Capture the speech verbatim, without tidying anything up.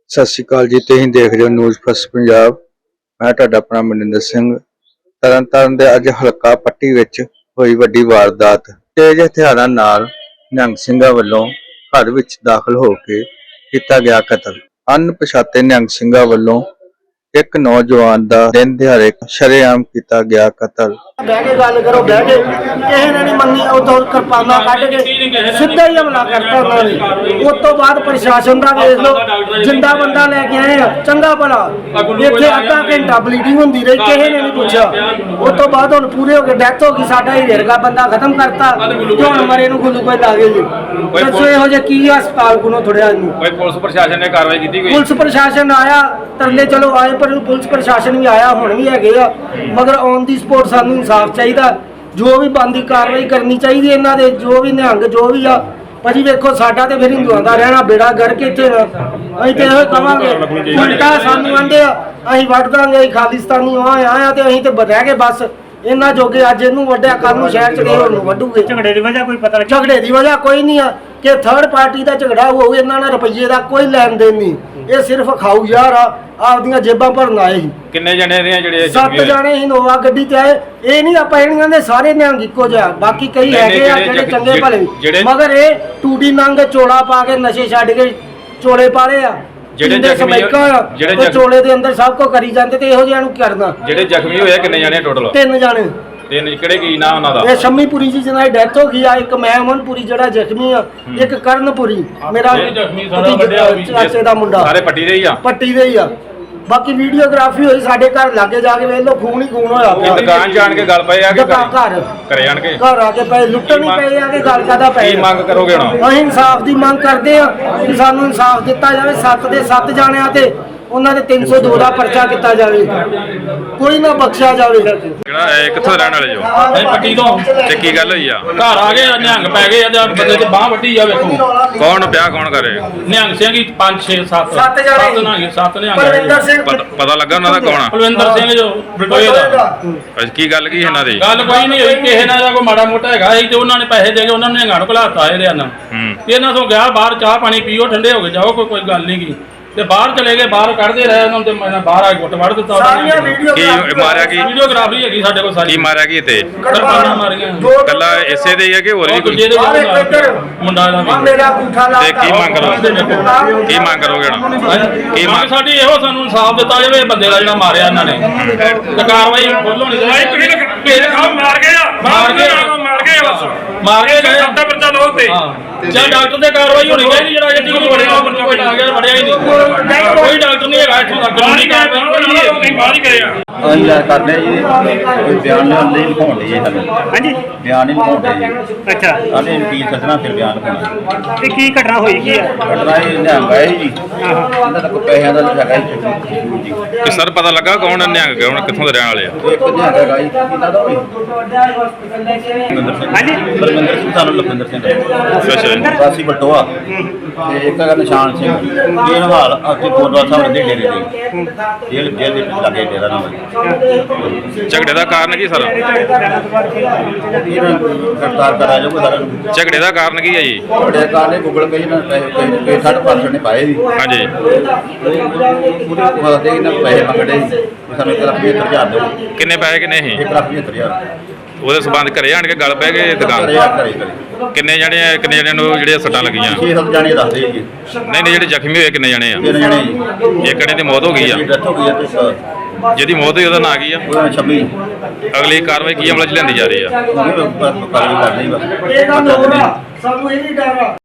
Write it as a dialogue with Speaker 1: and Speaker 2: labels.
Speaker 1: सत श्री अकाल जी। तुसीं देख रहे हो न्यूज़ फर्स्ट पंजाब। मैं तुहाडा अपना मनिंदर सिंह। तरन ताਰਨ ਦੇ ਅੱਜ ਹਲਕਾ ਪੱਟੀ ਵਿੱਚ ਹੋਈ ਵੱਡੀ ਵਾਰਦਾਤ। ਤੇਜ਼ ਹਥਿਆਰਾਂ ਨਾਲ ਨਿਹੰਗ ਸਿੰਘਾਂ ਵੱਲੋਂ ਘਰ ਵਿੱਚ ਦਾਖਲ ਹੋ ਕੇ ਕੀਤਾ ਗਿਆ ਕਤਲ। ਅਣਪਛਾਤੇ ਨਿਹੰਗ ਸਿੰਘਾਂ ਵੱਲੋਂ एक नौजवान का दिन दिहाड़े शरेआम किया गया कतल।
Speaker 2: बह के गल करो, बह के किसी ने नहीं मनी, उतो किरपाना कट के सीधा ही हमला करता उन्होंने। उस तो बाद प्रशासन का वेख लो, जिंदा बंदा लेके आए चंगा भला, इत्थे अद्धा घंटा ब्लीडिंग होंदी रही, किसी ने नहीं पूछा। उस तो बाद हुण पूरे हो गए, डेथ हो गई, साडा ही रेरगा बंदा खत्म करता ते हुण मरे नूं ग्लूकोज ला गए जी। दसो इहो जे की हस्पताल कोलों थोड़िया नूं कोई
Speaker 3: पुलिस प्रशासन ने कार्रवाई की?
Speaker 2: पुलिस प्रशासन आया, तरले चलो आए, पर पुलिस प्रशासन भी आया, हुण भी है, मगर ऑन दी स्पॉट सानू इंसाफ चाहिए। जो भी बनती कार्रवाई करनी चाहिए इन्हां दे, जो भी निहंग जो भी आ भाजी। वेखो साडा ते फिर हिंदुआं दा रहना बेड़ा गर्क इत्थे। असीं ते इहो कहांगे, उल्टा सानू आंदे आ असीं वड्ड दांगे, खालिस्तानी आया ते असीं ते रह गए बस इन्हां जोगे। अज इहनूं वड्डिया, कल नूं शहर च गए, होर वड्डूगे। झगड़े दी वजह कोई पता नहीं, झगड़े दी वजह कोई नहीं आ कि थर्ड पार्टी का झगड़ा होऊ। इन्हां नाल रुपये का कोई लैन देन नहीं, ये सिर्फ खाऊ यार आ, आपदियां जेबां भरन आए ही।
Speaker 3: किन्ने जने ने जेड़े?
Speaker 2: सत्त जने इनोवा गड्डी ते आए। ये नहीं आपां इहनां दे सारे निहंग इक्को जिहा, बाकी कई हैगे आ जेड़े चंगे भले, मगर ये टूडी नंग चोला पा के नशे छड्ड के चोले पाले आ ਜਿਹੜੇ ਸਮੈਕਾ ਜਿਹੜੇ ਚੋਲੇ ਦੇ ਅੰਦਰ ਸਭ ਕੁਝ ਕਰੀ ਜਾਂਦੇ ਤੇ ਇਹੋ ਜਿਹਾ ਨੂੰ ਕਰਨਾ। ਜਿਹੜੇ ਜ਼ਖਮੀ ਹੋਏ ਕਿੰਨੇ ਜਾਣੇ ਟੋਟਲ? ਤਿੰਨ ਜਾਣੇ।
Speaker 3: ਤਿੰਨ ਕਿਹੜੇ ਕੀ ਨਾਮ ਉਹਨਾਂ ਦਾ?
Speaker 2: ਇਹ ਸ਼ੰਮੀਪੁਰੀ ਜੀ ਜਿਹਨਾਂ ਦੀ ਡੈਥ ਹੋ ਗਈ ਆ, ਇੱਕ ਮੈਂ ਅਮਨਪੁਰੀ ਜਿਹੜਾ ਜ਼ਖਮੀ ਆ, ਇੱਕ ਕਰਨਪੁਰੀ ਮੇਰਾ ਚਾਚੇ ਦਾ ਮੁੰਡਾ।
Speaker 3: ਸਾਰੇ ਪੱਟੀ ਦੇ ਹੀ ਆ? ਪੱਟੀ
Speaker 2: ਦੇ ਹੀ ਆ। बाकी वीडियोग्राफी हुई साडे घर लागे जाके वेख लो, खून ही खून होया पिया।
Speaker 3: दुकान जान के गल पए आ के
Speaker 2: घर
Speaker 3: करे जान के
Speaker 2: घर आके पे लुट्टन ही पे आ के गल कादा पे।
Speaker 3: की मांग करोगे हुण?
Speaker 2: असीं इंसाफ दी मांग करदे आ कि सानू इंसाफ दिता जावे। सत्त दे सत्त जाणियां ते ਉਹਨਾਂ ਦੇ तीन सौ दो ਦਾ ਪਰਚਾ ਕੀਤਾ ਜਾਵੇ, ਕੋਈ ਨਾ ਬਖਸ਼ਿਆ ਜਾਵੇ।
Speaker 3: ਕਿਹੜਾ ਕਿੱਥੋਂ ਰਹਿਣ ਵਾਲੇ ਜੋ?
Speaker 4: ਇਹ ਪੱਟੀ ਤੋਂ।
Speaker 3: ਤੇ ਕੀ ਗੱਲ ਹੋਈ ਆ?
Speaker 4: ਘਰ ਆ ਗਏ ਨਿਹੰਗ ਪੈ ਗਏ ਆ, ਬੰਦੇ ਤੇ ਬਾਹ ਵੱਢੀ ਆ। ਵੇਖੋ
Speaker 3: ਕੌਣ ਵਿਆਹ ਕੌਣ ਕਰੇ?
Speaker 4: ਨਿਹੰਗ ਸਿੰਘ ਹੀ ਪੰਜ ਛੇ ਸੱਤ
Speaker 2: ਸੱਤ ਜਣੇ
Speaker 4: ਨਿਹੰਗ ਸੱਤ ਨਿਹੰਗ।
Speaker 2: ਪਰਵਿੰਦਰ ਸਿੰਘ
Speaker 3: ਪਤਾ ਲੱਗਾ ਉਹਨਾਂ ਦਾ ਕੌਣ ਆ?
Speaker 4: ਪਰਵਿੰਦਰ ਸਿੰਘ ਜੋ ਬਟੋਏ ਦਾ।
Speaker 3: ਅੱਛਾ ਕੀ ਗੱਲ ਕੀ ਇਹਨਾਂ ਦੀ?
Speaker 4: ਗੱਲ ਕੋਈ ਨਹੀਂ ਹੋਈ, ਕਿਸੇ ਨਾਲ ਦਾ ਕੋਈ ਮਾੜਾ ਮੋਟਾ ਹੈਗਾ ਸੀ ਤੇ ਉਹਨਾਂ ਨੇ ਪੈਸੇ ਦੇ ਕੇ ਉਹਨਾਂ ਨੇ ਨਿਹੰਗਾਂ ਨੂੰ ਘਲਾਤਾ ਇਹਦੇ ਨਾਲ। ਇਹਨਾਂ ਤੋਂ ਗਿਆ ਬਾਹਰ ਚਾਹ ਪਾਣੀ ਪੀਓ, ਠੰਡੇ ਹੋ ਕੇ ਜਾਓ, ਕੋਈ ਕੋਈ ਗੱਲ ਨਹੀਂ ਗੀ। ਤੇ ਬਾਹਰ ਚਲੇ ਗਏ, ਬਾਹਰ ਕੱਢਦੇ ਰਹੇ ਉਹਨਾਂ ਤੇ ਮੈਂ ਬਾਹਰ ਆ ਕੇ ਗੁੱਟ ਵੜ ਦਿੱਤਾ ਉਹਨਾਂ ਨੇ।
Speaker 3: ਕੀ ਮਾਰਿਆ? ਕੀ
Speaker 4: ਵੀਡੀਓਗ੍ਰਾਫੀ ਹੈਗੀ ਸਾਡੇ ਕੋਲ ਸਾਰੀ।
Speaker 3: ਕੀ ਮਾਰਿਆ ਕੀ ਤੇ?
Speaker 4: ਕਿਰਪਾਨਾਂ ਮਾਰੀਆਂ।
Speaker 3: ਕੱਲਾ ਇਸੇ ਦੇ ਹੀ ਆ ਕਿ ਹੋਰ ਵੀ ਕੋਈ
Speaker 4: ਮੁੰਡਾ ਦਾ ਵੀ?
Speaker 3: ਤੇ ਕੀ ਮੰਗ ਕਰੋਗੇ? ਕੀ ਮੰਗ ਕਰੋਗੇ ਹੁਣ?
Speaker 4: ਕੀ ਮੰਗ ਸਾਡੀ ਇਹੋ, ਸਾਨੂੰ ਇਨਸਾਫ ਦਿੱਤਾ ਜਾਵੇ ਬੰਦੇ ਦਾ ਜਿਹੜਾ ਮਾਰਿਆ ਇਹਨਾਂ ਨੇ, ਤੇ ਕਾਰਵਾਈ ਫੁੱਲ ਹੋਣੀ ਚਾਹੀਦੀ। ਮਾਰ ਗਏ ਆ, ਮਾਰ ਗਏ ਮਾਰ ਗਏ ਬਸ ਮਾਰ ਗਏ ਗਏ ਸੱਤਾ ਪਰਚਾ ਲਓ ਤੇ ਜਾਂ ਡਾਕਟਰ ਤੇ ਕਾਰਵਾਈ ਹੋਣੀ ਚਾਹੀਦੀ। ਜਿਹੜਾ ਅੱਜ ਤੱਕ ਵੜਿਆ ਬੰਦਾ ਕੋਈ ਆ ਗਿਆ ਵੜਿਆ ਹੀ ਨਹੀਂ, ਕੋਈ ਡਾਕਟਰ ਨਹੀਂ ਹੈਗਾ ਇੱਥੋਂ ਦਾ। ਕਾਨੂੰਨੀ ਕਾਰਵਾਈ ਕੋਈ ਨਹੀਂ, ਬਾਹਰ ਹੀ ਕਰਿਆ।
Speaker 5: ਅਸੀਂ ਯਾਰ ਕਰਦੇ ਜੀ, ਕੋਈ ਬਿਆਨ ਲਿਆਉਣ ਲਈ ਲਿਖਾਉਣ ਲਈ ਜੀ ਸਾਡੇ। ਹਾਂਜੀ ਬਿਆਨ ਹੀ ਲਿਖਾਉਂਦੇ ਜੀ। ਅੱਛਾ ਸਾਡੇ ਵਕੀਲ ਸੱਜਣਾ ਫਿਰ ਬਿਆਨ ਲਿਖਾਉਣਾ।
Speaker 6: ਤੇ ਕੀ ਘਟਨਾ ਹੋਈ ਕੀ ਹੈ?
Speaker 5: ਘਟਨਾ ਇਹ ਨਿਹੰਗ ਆਏ ਜੀ, ਇਹਨਾਂ ਦਾ ਕੋਈ ਪੈਸਿਆਂ ਦਾ ਹੈਗਾ ਜੀ।
Speaker 3: ਕਿ ਸਰ ਪਤਾ ਲੱਗਾ ਕੌਣ ਨਿਹੰਗ ਕੌਣ ਕਿੱਥੋਂ ਦੇ ਰਹਿਣ ਵਾਲੇ ਆ?
Speaker 5: ਇੱਕ ਨਿਹੰਗ ਹੈਗਾ ਜੀ, ਇਹਨਾਂ ਦਾ ਹੋਈ
Speaker 6: ਹਾਂਜੀ
Speaker 5: ਬਲਵਿੰਦਰ ਸਿੰਘ, ਸਾਨੂੰ ਲਖਵਿੰਦਰ ਸਿੰਘ
Speaker 3: ਅੱਛਾ
Speaker 5: ਵਾਸੀ ਬਟੋਆ, ਤੇ ਇੱਕ ਹੈਗਾ ਨਿਸ਼ਾਨ ਸਿੰਘ। ਇਹ ਹਾਲ ਉੱਥੇ ਗੁਰਦੁਆਰਾ ਸਾਹਿਬ ਦੇ ਡੇਰੇ ਦੇ ਜੇਲ੍ਹ ਜੇਲ੍ਹ ਦੇ ਲਾਗੇ ਡੇਰਾ ਨਾਮ ਹੈ।
Speaker 3: ਝਗੜੇ ਦਾ ਕਾਰਨ ਕੀ ਸਰ?
Speaker 5: ਗ੍ਰਿਫਤਾਰ ਕਰਾ ਜਾਊਗਾ ਸਾਰਿਆਂ ਨੂੰ।
Speaker 3: ਝਗੜੇ ਦਾ ਕਾਰਨ ਕੀ ਹੈ ਜੀ?
Speaker 5: ਝਗੜੇ ਦਾ ਕਾਰਨ ਗੂਗਲ ਪੇ ਨਾਲ ਪੈਸੇ ਸਾਢੇ ਪੰਜ ਸੌ ਨੇ ਪਾਏ ਜੀ।
Speaker 3: ਹਾਂਜੀ
Speaker 5: ਪੂਰੇ ਦੇ ਇਹਨਾਂ ਪੈਸੇ ਮੰਗਦੇ ਸੀ, ਸਾਨੂੰ ਇੱਕ ਲੱਖ ਪਝੱਤਰ ਹਜ਼ਾਰ ਦਿਓ।
Speaker 3: ਕਿੰਨੇ ਪੈਸੇ ਕਿੰਨੇ ਸੀ?
Speaker 5: ਇੱਕ ਲੱਖ ਪਝੱਤਰ ਹਜ਼ਾਰ।
Speaker 3: ਉਹਦੇ ਸੰਬੰਧ ਘਰੇ ਆਣ ਕੇ ਗੱਲ ਪੈ ਗਏ ਦੁਕਾਨ?
Speaker 5: ਘਰੇ ਘਰੇ ਘਰੇ
Speaker 3: ਕਿੰਨੇ ਜਣੇ ਕਿੰਨੇ ਜਣੇ ਨੂੰ ਜਿਹੜੀਆਂ ਸੱਟਾਂ ਲੱਗੀਆਂ?
Speaker 5: ਛੇ ਸੱਤ ਜਾਣੇ ਦੱਸਦੇ ਜੀ।
Speaker 3: ਨਹੀਂ ਨਹੀਂ ਜਿਹੜੇ ਜ਼ਖਮੀ ਹੋਏ ਕਿੰਨੇ ਜਣੇ ਆ?
Speaker 5: ਤਿੰਨ ਜਣੇ ਜੀ।
Speaker 3: ਇੱਕ ਜਣੇ ਦੀ ਮੌਤ ਹੋ ਗਈ ਆ।
Speaker 5: ਡੈਥ ਹੋ ਗਈ ਆ ਤੇ
Speaker 3: ਜਿਹਦੀ ਮੌਤ ਹੋਈ ਉਹਦਾ ਨਾਂ ਕੀ ਆ?
Speaker 5: ਉਹਦਾ ਛੱਬੀ।
Speaker 3: ਅਗਲੀ ਕਾਰਵਾਈ ਕੀ ਅਮਲ ਚ ਲਿਆਂਦੀ ਜਾ ਰਹੀ ਆ?
Speaker 5: ਉਹ ਵੀ ਕਰ ਲਈ ਬਸ।
Speaker 2: ਇਹਦਾ ਨੋਰਾ ਸਾਨੂੰ ਇਹ ਨਹੀਂ ਡਰ ਆ।